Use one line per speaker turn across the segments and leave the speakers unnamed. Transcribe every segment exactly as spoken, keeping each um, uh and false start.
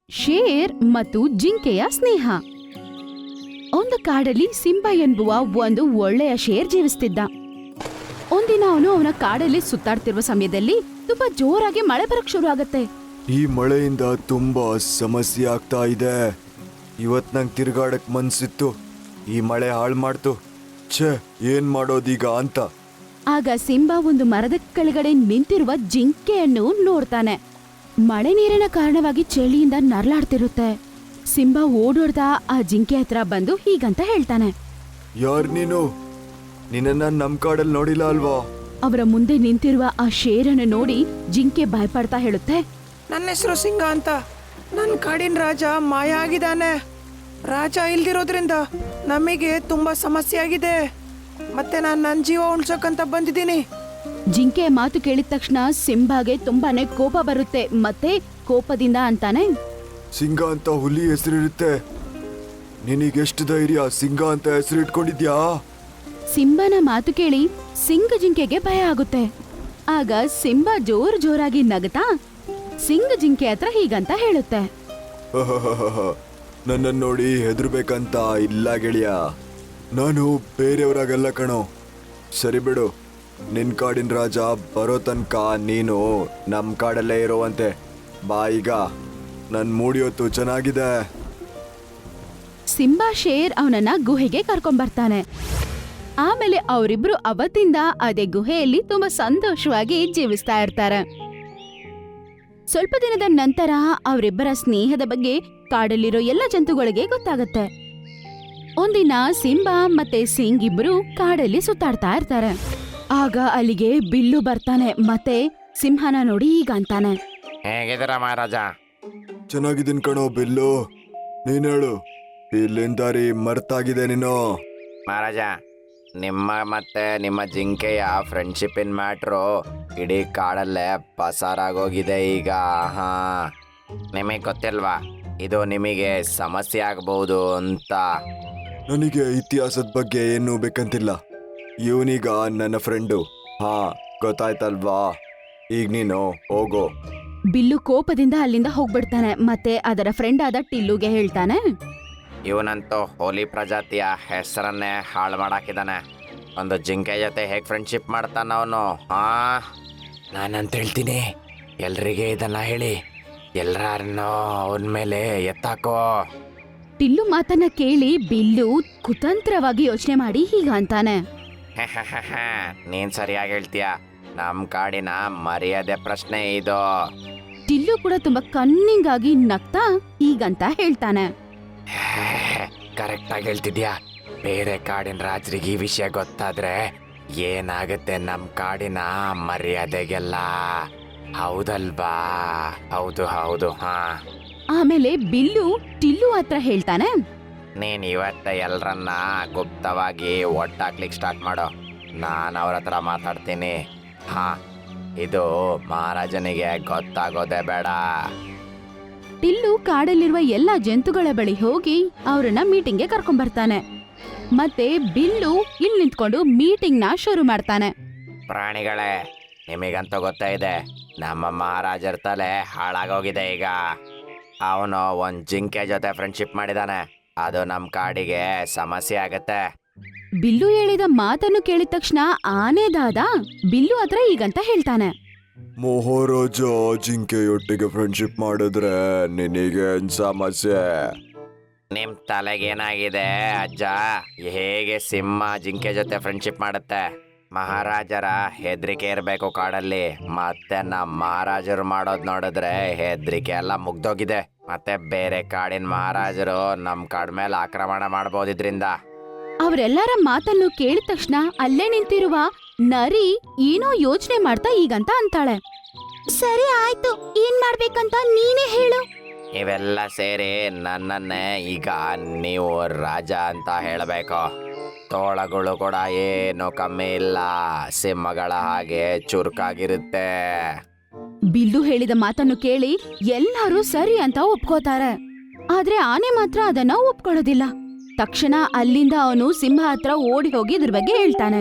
Share ಮತ್ತು ಜಿಂಕೆಯ ಸ್ನೇಹ. ಒಂದು ಕಾಡಲ್ಲಿ ಸಿಂಬಾ ಎನ್ನುವ ಒಂದು ಒಳ್ಳೆಯ ಶೇರ್ ಜೀವಿಸ್ತಿದ್ದ. ಒಂದಿನ ಅವನು ಅವನ ಕಾಡಲ್ಲಿ ಸುತ್ತಾಡ್ತಿರುವ ಸಮಯದಲ್ಲಿ ತುಂಬಾ ಜೋರಾಗಿ ಮಳೆ ಬರಕ್ ಶುರು ಆಗತ್ತೆ.
ಈ ಮಳೆಯಿಂದ ತುಂಬಾ ಸಮಸ್ಯೆ ಆಗ್ತಾ ಇದೆ. ಇವತ್ ನಂಗೆ ತಿರ್ಗಾಡಕ್ ಮನ್ಸಿತ್ತು, ಈ ಮಳೆ ಹಾಳು ಮಾಡ್ತು. ಛೇ, ಏನ್ ಮಾಡೋದೀಗ ಅಂತ.
ಆಗ ಸಿಂಬಾ ಒಂದು ಮರದ ಕೆಳಗಡೆ ನಿಂತಿರುವ ಜಿಂಕೆಯನ್ನು ನೋಡ್ತಾನೆ. ಮಳೆ ನೀರಿನ ಕಾರಣವಾಗಿ ಚಳಿಯಿಂದ ನರಳಾಡ್ತಿರುತ್ತೆ. ಸಿಂಬಾ ಓಡೋಡ್ದ ಆ ಜಿಂಕೆ ಹತ್ರ ಬಂದು ಹೀಗಂತ ಹೇಳ್ತಾನೆ.
ಯಾರ್ ನೀನು? ನಿನ್ನ ನಮ್ ಕಾಡಲ್ಲಿ ನೋಡಿಲ್ಲ ಅಲ್ವಾ?
ಅವರ ಮುಂದೆ ನಿಂತಿರುವ ಆ ಶೇರನ್ನು ನೋಡಿ ಜಿಂಕೆ ಭಯಪಡ್ತಾ ಹೇಳುತ್ತೆ.
ನನ್ನ ಹೆಸರು ಸಿಂಗ ಅಂತ. ನನ್ನ ಕಾಡಿನ ರಾಜ ಮಾಯ ಆಗಿದ್ದಾನೆ. ರಾಜ ಇಲ್ದಿರೋದ್ರಿಂದ ನಮಗೆ ತುಂಬಾ ಸಮಸ್ಯೆ ಆಗಿದೆ. ಮತ್ತೆ ನಾನು ನನ್ನ ಜೀವ ಉಳ್ಸೋಕಂತ ಬಂದಿದ್ದೀನಿ.
ಜಿಂಕೆ ಮಾತು ಕೇಳಿದ ತಕ್ಷಣ ಸಿಂಬಾಗೆ ತುಂಬಾನೇ ಕೋಪ ಬರುತ್ತೆ. ಮತ್ತೆ ಕೋಪದಿಂದ ಅಂತಾನೆ,
ಸಿಂಗ ಅಂತ ಹುಲಿ ಹೆಸರಿರುತ್ತೆ. ನಿನಗೆಷ್ಟು ಧೈರ್ಯ ಸಿಂಗ ಅಂತ ಹೆಸರು ಇಟ್ಕೊಂಡಿದ್ಯಾ?
ಸಿಂಬನ ಮಾತು ಕೇಳಿ ಸಿಂಗ ಜಿಂಕೆಗೆ ಭಯ ಆಗುತ್ತೆ. ಆಗ ಸಿಂಬಾ ಜೋರ್ ಜೋರಾಗಿ ನಗತಾ ಸಿಂಗ ಜಿಂಕೆ ಹತ್ರ ಹೀಗಂತ ಹೇಳುತ್ತೆ.
ನನ್ನನ್ನು ನೋಡಿ ಹೆದರ್ಬೇಕಂತ ಇಲ್ಲ ಗೆಳೆಯ. ನಾನು ಬೇರೆಯವರಾಗಲ್ಲ ಕಣೋ. ಸರಿ ಬಿಡು, ನಿನ್ ಕಾಡಿನ ರಾಜ ಬರೋ ತನಕ ನೀನು ನಮ್ ಕಾಡಲ್ಲೇ ಇರುವಂತೆ. ಬಾ ಈಗ, ನನ್ ಮೂಡಿಯೊತ್ತು ಚೆನ್ನಾಗಿದೆ.
ಸಿಂಬಾ ಶೇರ್ ಅವನನ್ನ ಗುಹೆಗೆ ಕರ್ಕೊಂಡ್ಬರ್ತಾನೆ. ಆಮೇಲೆ ಅವರಿಬ್ರು ಅವತ್ತಿಂದ ಅದೇ ಗುಹೆಯಲ್ಲಿ ತುಂಬಾ ಸಂತೋಷವಾಗಿ ಜೀವಿಸ್ತಾ ಇರ್ತಾರೆ. ಸ್ವಲ್ಪ ದಿನದ ನಂತರ ಅವರಿಬ್ಬರ ಸ್ನೇಹದ ಬಗ್ಗೆ ಕಾಡಲ್ಲಿರೋ ಎಲ್ಲ ಜಂತುಗಳಿಗೆ ಗೊತ್ತಾಗತ್ತೆ. ಒಂದಿನ ಸಿಂಬಾ ಮತ್ತೆ ಸಿಂಗ್ ಇಬ್ರು ಕಾಡಲ್ಲಿ ಸುತ್ತಾಡ್ತಾ ಇರ್ತಾರೆ. ಆಗ ಅಲ್ಲಿಗೆ ಬಿಲ್ಲು ಬರ್ತಾನೆ. ಮತ್ತೆ ಸಿಂಹನ ನೋಡಿ ಈಗ ಅಂತಾನೆ.
ಹೇಗಿದ್ದೀರ ಮಹಾರಾಜ?
ಚೆನ್ನಾಗಿದ್ದೀನಿ ಕಣೋ ಬಿಲ್ಲು. ನೀನ್ ಹೇಳು, ಇಲ್ಲಿಂದ ದಾರಿ ಮರ್ತಾಗಿದೆ ನೀನು.
ಮಹಾರಾಜ, ನಿಮ್ಮ ಮತ್ತೆ ನಿಮ್ಮ ಜಿಂಕೆಯ ಫ್ರೆಂಡ್ಶಿಪ್ಪಿನ ಮ್ಯಾಟ್ರು ಇಡೀ ಕಾಡಲ್ಲೇ ಪಸಾರಾಗೋಗಿದೆ ಈಗ. ಹಾ, ನಿಮಗೆ ಗೊತ್ತಿಲ್ವಾ ಇದು ನಿಮಗೆ ಸಮಸ್ಯೆ ಆಗಬಹುದು ಅಂತ?
ನನಗೆ ಇತಿಹಾಸದ ಬಗ್ಗೆ ಏನು ಬೇಕಂತಿಲ್ಲ. ಇವನೀಗ ನನ್ನ ಫ್ರೆಂಡು. ಹಾ, ಗೊತ್ತಾಯ್ತಲ್ವಾ? ಈಗ ನೀನು ಹೋಗೋ.
ಬಿಲ್ಲು ಕೋಪದಿಂದ ಅಲ್ಲಿಂದ ಹೋಗ್ಬಿಡ್ತಾನೆ. ಮತ್ತೆ ಅದರ ಫ್ರೆಂಡ್ ಆದ ಟಿಲ್ಲುಗೆ ಹೇಳ್ತಾನೆ.
ಇವನಂತೂ ಹೋಲಿ ಪ್ರಜಾತಿಯ ಹೆಸರನ್ನೇ ಹಾಳು ಮಾಡಾಕಿದ್ದಾನೆ. ಒಂದು ಜಿಂಕೆ ಜೊತೆ ಹೇಗೆ ಫ್ರೆಂಡ್ಶಿಪ್ ಮಾಡ್ತಾನ ಅವನು? ಹಾ, ನಾನಂತ ಹೇಳ್ತೀನಿ, ಎಲ್ರಿಗೆ ಇದನ್ನ ಹೇಳಿ ಎಲ್ಲರನ್ನೋ ಅವನ ಮೇಲೆ ಎತ್ತಾಕೋ.
ಟಿಲ್ಲು ಮಾತನ್ನ ಕೇಳಿ ಬಿಲ್ಲು ಕುತಂತ್ರವಾಗಿ ಯೋಚನೆ ಮಾಡಿ ಹೀಗ ಅಂತಾನೆ.
ನೀನ್ ಸರಿಯಾಗಿ ಹೇಳ್ತೀಯ. ನಮ್ ಕಾಡಿನ ಮರ್ಯಾದೆ ಪ್ರಶ್ನೆ ಇದು.
ಟಿಲ್ಲು ಕೂಡ ತುಂಬಾ ಕನ್ನಿಂಗ್ ಆಗಿ ನಗ್ತಾ ಹೀಗಂತ ಹೇಳ್ತಾನೆ.
ಕರೆಕ್ಟ್ ಆಗಿ ಹೇಳ್ತಿದ್ಯಾ. ಬೇರೆ ಕಾಡಿನ ರಾಜರಿಗೆ ಈ ವಿಷಯ ಗೊತ್ತಾದ್ರೆ ಏನಾಗುತ್ತೆ ನಮ್ ಕಾಡಿನ ಮರ್ಯಾದೆಗೆಲ್ಲ. ಹೌದಲ್ವಾ? ಹೌದು ಹೌದು. ಹಾ,
ಆಮೇಲೆ ಬಿಲ್ಲು ಟಿಲ್ಲು ಹತ್ರ ಹೇಳ್ತಾನೆ.
ನೀನ್ ಇವತ್ತ ಎಲ್ರನ್ನ ಗುಪ್ತವಾಗಿ ಒಟ್ಟಾಕ್ಲಿಕ್ಕೆ ಸ್ಟಾರ್ಟ್ ಮಾಡೋ. ನಾನು ಅವ್ರ ಹತ್ರ ಮಾತಾಡ್ತೀನಿ. ಹಾ, ಇದು ಮಹಾರಾಜನಿಗೆ ಗೊತ್ತಾಗೋದೇ ಬೇಡ.
ಟಿಲ್ಲು ಕಾಡಲ್ಲಿರುವ ಎಲ್ಲಾ ಜಂತುಗಳ ಬಳಿ ಹೋಗಿ ಅವರನ್ನ ಮೀಟಿಂಗ್ಗೆ ಕರ್ಕೊಂಡ್ಬರ್ತಾನೆ. ಮತ್ತೆ ಬಿಲ್ಲು ಇಲ್ಲಿ ನಿಂತ್ಕೊಂಡು ಮೀಟಿಂಗ್ ನ ಶುರು ಮಾಡ್ತಾನೆ.
ಪ್ರಾಣಿಗಳೇ, ನಿಮಗಂತೂ ಗೊತ್ತಾ ಇದೆ, ನಮ್ಮ ಮಹಾರಾಜರ ತಲೆ ಹಾಳಾಗೋಗಿದೆ ಈಗ. ಅವನು ಒಂದ್ ಜಿಂಕೆ ಜೊತೆ ಫ್ರೆಂಡ್ಶಿಪ್ ಮಾಡಿದಾನೆ. ಅದು ನಮ್ಮ ಕಾಡಿಗೆ ಸಮಸ್ಯೆ ಆಗತ್ತೆ.
ಬಿಲ್ಲು ಹೇಳಿದ ಮಾತನ್ನು ಕೇಳಿದ ತಕ್ಷಣ ಆನೆದಾದ ಬಿಲ್ಲು ಹತ್ರ ಈಗಂತ ಹೇಳ್ತಾನೆ.
ಮಹಾರಾಜ ಜಿಂಕೆಯೊಟ್ಟಿಗೆ ಫ್ರೆಂಡ್ಶಿಪ್ ಮಾಡಿದ್ರೆ ನಿನಗೇನ್ ಸಮಸ್ಯೆ?
ನಿಮ್ ತಲೆಗೇನಾಗಿದೆ ಅಜ್ಜ? ಹೇಗೆ ಸಿಂಹ ಜಿಂಕೆ ಜೊತೆ ಫ್ರೆಂಡ್ಶಿಪ್ ಮಾಡುತ್ತೆ? ಮಹಾರಾಜರ ಹೆದರಿಕೆ ಇರಬೇಕು ಕಾಡಲ್ಲಿ. ಮತ್ತೆ ನಮ್ಮ ಮಹಾರಾಜರು ಮಾಡೋದ್ ನೋಡಿದ್ರೆ ಹೆದರಿಕೆ ಎಲ್ಲ ಮುಗ್ದೋಗಿದೆ. ಮತ್ತೆ ಬೇರೆ ಕಾಡಿನ ಮಹಾರಾಜರು ನಮ್ ಕಾಡ್ ಮೇಲೆ ಆಕ್ರಮಣ ಮಾಡಬಹುದಿದ್ರಿಂದ.
ಅವರೆಲ್ಲರ ಮಾತನ್ನು ಕೇಳಿದ ತಕ್ಷಣ ಅಲ್ಲೇ ನಿಂತಿರುವ ನರಿ ಏನೋ ಯೋಚನೆ ಮಾಡ್ತಾ ಈಗಂತ ಅಂತಾಳೆ. ಸರಿ ಆಯ್ತು, ಏನ್ ಮಾಡ್ಬೇಕಂತ ನೀನೇ ಹೇಳು.
ಇವೆಲ್ಲ ಸೇರಿ ನನ್ನನ್ನೇ ಈಗ ನೀವು ರಾಜ ಅಂತ ಹೇಳಬೇಕು. ತೋಳಗಳು ಕೂಡ ಏನು ಕಮ್ಮಿ ಇಲ್ಲ, ಸಿಂಹಗಳ ಹಾಗೆ ಚುರುಕಾಗಿರುತ್ತೆ.
ಬಿಲ್ಲು ಹೇಳಿದ ಮಾತನ್ನು ಕೇಳಿ ಎಲ್ಲರೂ ಸರಿ ಅಂತ ಒಪ್ಕೋತಾರೆ. ಆದ್ರೆ ಆನೆ ಮಾತ್ರ ಅದನ್ನ ಒಪ್ಕೊಳ್ಳೋದಿಲ್ಲ. ತಕ್ಷಣ ಅಲ್ಲಿಂದ ಅವನು ಸಿಂಹ ಹತ್ರ ಓಡಿ ಹೋಗಿ ಇದ್ರ ಬಗ್ಗೆ ಹೇಳ್ತಾನೆ.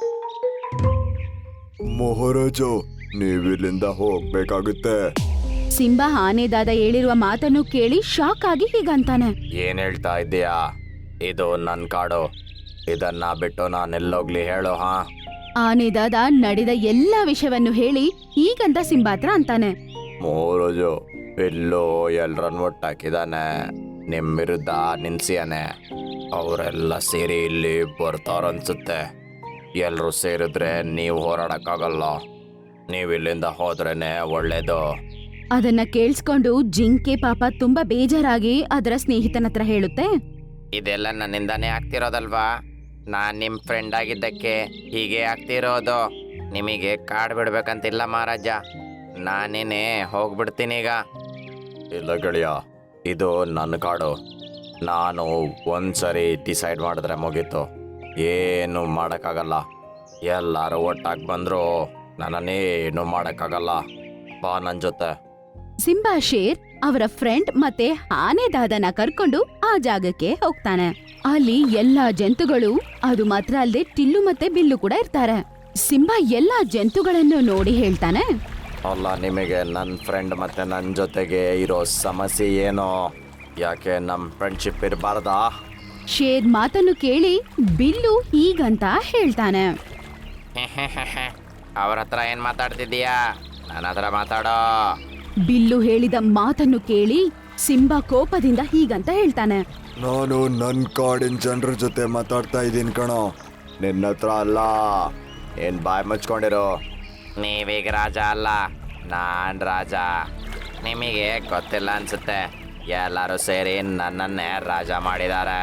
ಮಹಾರಾಜ, ನೀವಿಲ್ಲಿಂದ ಹೋಗ್ಬೇಕಾಗುತ್ತೆ.
ಸಿಂಬಾ ಆನೆದಾದ ಹೇಳಿರುವ ಮಾತನ್ನು ಕೇಳಿ ಶಾಕ್ ಆಗಿ ಹೀಗಂತಾನೆ.
ಏನ್ ಹೇಳ್ತಾ ಇದ್ದೀಯಾ? ಇದು ನನ್ನ ಕಾಡು. ಇದನ್ನ ಬಿಟ್ಟು ನಾನೆಲ್ಲೋಗ್ಲಿ ಹೇಳು. ಹಾ,
ಆನೆದಾದ ನಡೆದ ಎಲ್ಲಾ ವಿಷಯವನ್ನು ಹೇಳಿ ಈಗಂತ ಸಿಂಬಾ ಹತ್ರ ಅಂತಾನೆ.
ಮೂರುಜು ಬಿಲ್ಲು ಎಲ್ರನ್ನ ಒಟ್ಟಾಕಿದಾನೆ. ನಿಮ್ ವಿರುದ್ಧ ನಿನ್ಸಿಯಾನೆ. ಅವರೆಲ್ಲ ಸೇರಿ ಇಲ್ಲಿ ಬರ್ತಾರನ್ಸುತ್ತೆ. ಎಲ್ರು ಸೇರಿದ್ರೆ ನೀವು ಹೋರಾಡಕ್ಕಾಗಲ್ಲ. ನೀವು ಇಲ್ಲಿಂದ ಹೋದ್ರೇನೆ ಒಳ್ಳೇದು.
ಅದನ್ನ ಕೇಳಿಸ್ಕೊಂಡು ಜಿಂಕೆ ಪಾಪ ತುಂಬಾ ಬೇಜಾರಾಗಿ ಅದರ ಸ್ನೇಹಿತನ ಹತ್ರ ಹೇಳುತ್ತೆ.
ಇದೆಲ್ಲ ನನ್ನಿಂದಾನೇ ಆಗ್ತಿರೋದಲ್ವಾ? ನಾನ್ ನಿಮ್ ಫ್ರೆಂಡ್ ಆಗಿದ್ದಕ್ಕೆ ಹೀಗೆ ಆಗ್ತಿರೋದು. ನಿಮಗೆ ಕಾಡ್ ಬಿಡ್ಬೇಕಂತಿಲ್ಲ ಮಹಾರಾಜ. ನಾನೇನೆ ಹೋಗ್ಬಿಡ್ತೀನಿ ಈಗ. ಇಲ್ಲ ಗೆಳೆಯ, ಇದು ನನ್ನ ಕಾಡು. ನಾನು ಒಂದ್ಸರಿ ಡಿಸೈಡ್ ಮಾಡಿದ್ರೆ ಮುಗೀತು. ಏನು ಮಾಡೋಕ್ಕಾಗಲ್ಲ. ಎಲ್ಲರೂ ಒಟ್ಟಾಗಿ ಬಂದ್ರು ನನ್ನನ್ನೇನು ಮಾಡೋಕ್ಕಾಗಲ್ಲ. ಬಾ ನನ್ನ ಜೊತೆ.
ಸಿಂಬಾ ಶೇರ್ ಅವರ ಫ್ರೆಂಡ್ ಮತ್ತೆ ಆನೆದಾದನ ಕರ್ಕೊಂಡು ಆ ಜಾಗಕ್ಕೆ ಹೋಗ್ತಾನೆ. ಅಲ್ಲಿ ಎಲ್ಲಾ ಜಂತುಗಳು, ಅದು ಮಾತ್ರ ಅಲ್ಲದೆ ಟಿಲ್ಲು ಮತ್ತೆ ಬಿಲ್ಲು ಕೂಡ ಇರ್ತಾರೆ. ಸಿಂಬಾ ಎಲ್ಲಾ ಜಂತುಗಳನ್ನು ನೋಡಿ ಹೇಳ್ತಾನೆ.
ಅಲ್ಲ, ನಿಮಗೆ ನನ್ನ ಫ್ರೆಂಡ್ ಮತ್ತೆ ನನ್ನ ಜೊತೆಗೆ ಇರೋ ಸಮಸ್ಯೆ ಏನೋ? ಯಾಕೆ ನಮ್ಮ ಫ್ರೆಂಡ್ಶಿಪ್ ಇರಬಾರ್ದಾ?
ಶೇರ್ ಮಾತನ್ನು ಕೇಳಿ ಬಿಲ್ಲು ಈಗಂತ ಹೇಳ್ತಾನೆ.
ಅವ್ರ ಹತ್ರ ಏನ್ ಮಾತಾಡ್ತಿದ್ದೀಯಾ? ನನ್ನ ಹತ್ರ ಮಾತಾಡೋ.
ಬಿಲ್ಲು ಹೇಳಿದ ಮಾತನ್ನು ಕೇಳಿ ಸಿಂಬಾ ಕೋಪದಿಂದ ಹೀಗಂತ ಹೇಳ್ತಾನೆ.
ನಾನು ನನ್ನ ಕಾಡಿನ ಜನರ ಜೊತೆ ಮಾತಾಡ್ತಾ ಇದ್ದೀನಿ ಕಣೋ, ನಿನ್ನ ಹತ್ರ ಅಲ್ಲ.
ಏನ್ ಬಾಯ್ ಮುಚ್ಕೊಂಡಿರೋ? ನೀವೀಗ ರಾಜ ಅಲ್ಲ, ನಾನ್ ರಾಜ. ನಿಮಗೆ ಗೊತ್ತಿಲ್ಲ ಅನ್ಸುತ್ತೆ. ಎಲ್ಲರೂ ಸೇರಿ ನನ್ನನ್ನೇ ರಾಜ ಮಾಡಿದ್ದಾರೆ.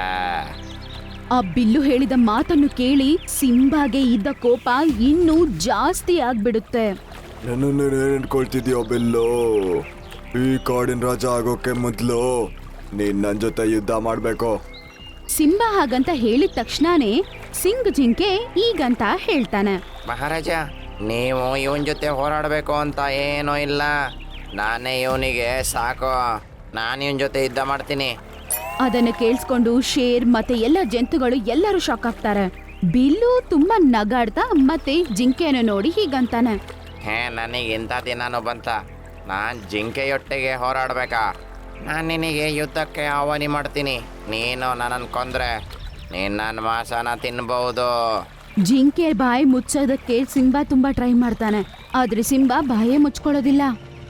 ಆ ಬಿಲ್ಲು ಹೇಳಿದ ಮಾತನ್ನು ಕೇಳಿ ಸಿಂಬಾಗೆ ಇದ್ದ ಕೋಪ ಇನ್ನೂ ಜಾಸ್ತಿ ಆಗ್ಬಿಡುತ್ತೆ.
ನನ್ನನ್ನು ಏನ್ ಅನ್ಕೊಳ್ತಿದ್ಯೋ ಬಿಲ್ಲು? ಈ ಕಾಡಿನ ರಾಜ ಆಗೋಕೆ ಮೊದಲು ನೀನ್ ನನ್ನ ಜೊತೆ ಯುದ್ಧ ಮಾಡಬೇಕು.
ಸಿಂಬಾ ಹಾಗಂತ ಹೇಳಿದ ತಕ್ಷಣನೇ ಸಿಂಗ್ ಜಿಂಕೆ ಈಗಂತ ಹೇಳ್ತಾನೆ.
ಮಹಾರಾಜ, ನೀವು ಇವನ್ ಜೊತೆ ಹೋರಾಡಬೇಕು ಅಂತ ಏನೂ ಇಲ್ಲ. ನಾನೇ ಇವನಿಗೆ ಸಾಕು. ನಾನು ಇವನ್ ಜೊತೆ ಯುದ್ಧ ಮಾಡ್ತೀನಿ.
ಅದನ್ನು ಕೇಳಿಸ್ಕೊಂಡು ಶೇರ್ ಮತ್ತೆ ಎಲ್ಲ ಜಂತುಗಳು ಎಲ್ಲರೂ ಶಾಕ್ ಆಗ್ತಾರೆ. ಬಿಲ್ಲು ತುಂಬಾ ನಗಾಡ್ತಾ ಮತ್ತೆ ಜಿಂಕೆಯನ್ನು ನೋಡಿ ಹೀಗಂತಾನೆ.
ಹೇ, ನನಗೆ ಇಂಥ ದಿನಾನು ಬಂತ. ನಾನು ಜಿಂಕೆಯೊಟ್ಟಿಗೆ ಹೋರಾಡ್ಬೇಕಾ? ನಾನು ನಿನಗೆ ಯುದ್ಧಕ್ಕೆ ಆಹ್ವಾನ ಮಾಡ್ತೀನಿ. ನೀನು ನನ್ನನ್ನು ಕೊಂದ್ರೆ ನೀನು ನನ್ನ ಮಾಂಸನ ತಿನ್ಬಹುದು.
ಜಿಂಕೆ ಬಾಯಿ ಮುಚ್ಚೋದಕ್ಕೆ ಸಿಂಬಾ ತುಂಬಾ ಟ್ರೈ ಮಾಡ್ತಾನೆ, ಆದ್ರೆ ಸಿಂಬಾ ಬಾಯೇ ಮುಚ್ಕೊಳ್ಳೋದಿಲ್ಲ.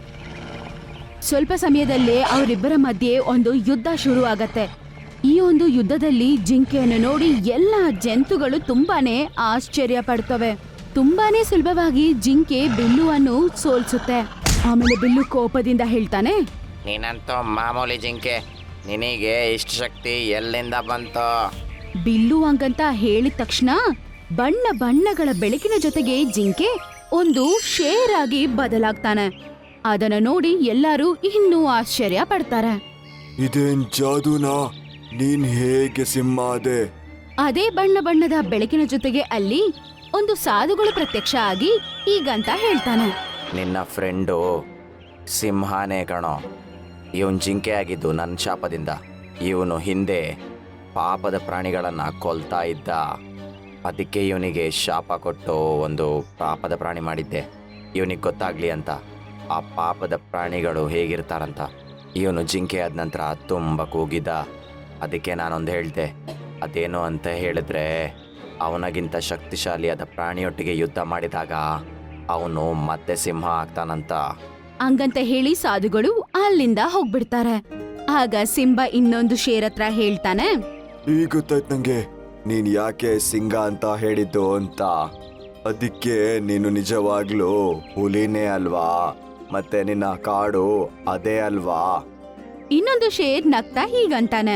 ಸ್ವಲ್ಪ ಸಮಯದಲ್ಲೇ ಅವರಿಬ್ಬರ ಮಧ್ಯೆ ಒಂದು ಯುದ್ಧ ಶುರು ಆಗತ್ತೆ. ಈ ಒಂದು ಯುದ್ಧದಲ್ಲಿ ಜಿಂಕೆಯನ್ನು ನೋಡಿ ಎಲ್ಲಾ ಜಂತುಗಳು ತುಂಬಾನೇ ಆಶ್ಚರ್ಯ ಪಡ್ತವೆ. ತುಂಬಾನೇ ಸುಲಭವಾಗಿ ಜಿಂಕೆ ಬಿಲ್ಲುವನ್ನು ಸೋಲ್ಸುತ್ತೆ. ಆಮೇಲೆ ಬಿಲ್ಲು ಕೋಪದಿಂದ ಹೇಳ್ತಾನೆ.
ನೀನಂತೂ ಮಾಮೂಲಿ ಜಿಂಕೆ. ನಿನಗೆ ಇಷ್ಟು ಶಕ್ತಿ ಎಲ್ಲಿಂದ ಬಂತು?
ಬಿಲ್ಲು ಹಂಗಂತ ಹೇಳಿದ ತಕ್ಷಣ ಬಣ್ಣ ಬಣ್ಣಗಳ ಬೆಳಕಿನ ಜೊತೆಗೆ ಜಿಂಕೆ ಒಂದು ಶೇರ್ ಆಗಿ ಬದಲಾಗ್ತಾನೆ. ಅದನ್ನ ನೋಡಿ ಎಲ್ಲರೂ ಇನ್ನೂ ಆಶ್ಚರ್ಯ ಪಡ್ತಾರೆ.
ಇದೇನ್ ಜಾದೂನಾ? ನೀನ್ ಹೇಗೆ ಸಿಂಹ ಆದೆ?
ಅದೇ ಬಣ್ಣ ಬಣ್ಣದ ಬೆಳಕಿನ ಜೊತೆಗೆ ಅಲ್ಲಿ ಒಂದು ಸಾಧುಗಳು ಪ್ರತ್ಯಕ್ಷ ಆಗಿ ಈಗಂತ ಹೇಳ್ತಾನೆ.
ನಿನ್ನ ಫ್ರೆಂಡು ಸಿಂಹನೇ ಕಣೋ. ಇವನ್ ಜಿಂಕೆ ಆಗಿದ್ದು ನನ್ನ ಶಾಪದಿಂದ. ಇವನು ಹಿಂದೆ ಪಾಪದ ಪ್ರಾಣಿಗಳನ್ನು ಕೊಲ್ತಾ ಇದ್ದ. ಅದಕ್ಕೆ ಇವನಿಗೆ ಶಾಪ ಕೊಟ್ಟು ಒಂದು ಪಾಪದ ಪ್ರಾಣಿ ಮಾಡಿದ್ದೆ, ಇವನಿಗೆ ಗೊತ್ತಾಗ್ಲಿ ಅಂತ. ಆ ಪಾಪದ ಪ್ರಾಣಿಗಳು ಹೇಗಿರ್ತಾರಂತ. ಇವನು ಜಿಂಕೆ ಆದ ನಂತರ ತುಂಬ ಕೂಗಿದ್ದ. ಅದಕ್ಕೆ ನಾನೊಂದು ಹೇಳಿದೆ. ಅದೇನು ಅಂತ ಹೇಳಿದ್ರೆ, ಅವನಿಗಿಂತ ಶಕ್ತಿಶಾಲಿಯಾದ ಪ್ರಾಣಿಯೊಟ್ಟಿಗೆ ಯುದ್ಧ ಮಾಡಿದಾಗ ಅವನು ಮತ್ತೆ ಸಿಂಹ ಆಗ್ತಾನಂತ.
ಹಂಗಂತ ಹೇಳಿ ಸಾಧುಗಳು ಅಲ್ಲಿಂದ ಹೋಗ್ಬಿಡ್ತಾರೆ. ಆಗ ಸಿಂಬಾ ಇನ್ನೊಂದು ಶೇರ್ ಹತ್ರ ಹೇಳ್ತಾನೆ.
ಈಗ ಗೊತ್ತಾಯ್ತು ನಂಗೆ ನೀನ್ ಯಾಕೆ ಸಿಂಗ ಅಂತ ಹೇಳಿದ್ದು ಅಂತ. ಅದಕ್ಕೆ ನೀನು ನಿಜವಾಗ್ಲೂ ಹುಲಿನೇ ಅಲ್ವಾ? ಮತ್ತೆ ನಿನ್ನ ಕಾಡು ಅದೇ ಅಲ್ವಾ?
ಇನ್ನೊಂದು ಶೇರ್ ನಗ್ತಾ ಹೀಗಂತಾನೆ.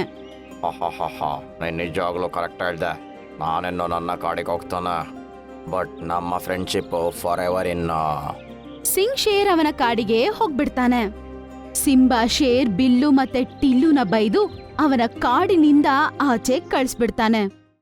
ನೀನು ನಿಜವಾಗ್ಲೂ ಕರೆಕ್ಟ್ ಹೇಳ್ದೆ. ನಾನೆನ್ನೋ ನನ್ನ ಕಾಡಿಗೆ ಹೋಗ್ತಾನೆ, ಬಟ್ ನಮ್ಮ ಫ್ರೆಂಡ್ಶಿಪ್ ಫಾರ್ ಎವರ್ ಇನ್ನು.
ಸಿಂಗ್ ಶೇರ್ ಅವನ ಕಾಡಿಗೆ ಹೋಗ್ಬಿಡ್ತಾನೆ. ಸಿಂಬಾ ಶೇರ್ ಬಿಲ್ಲು ಮತ್ತೆ ಟಿಲ್ಲುನ ಬೈದು ಅವನ ಕಾಡಿನಿಂದ ಆಚೆ ಕಳಿಸ್ಬಿಡ್ತಾನೆ.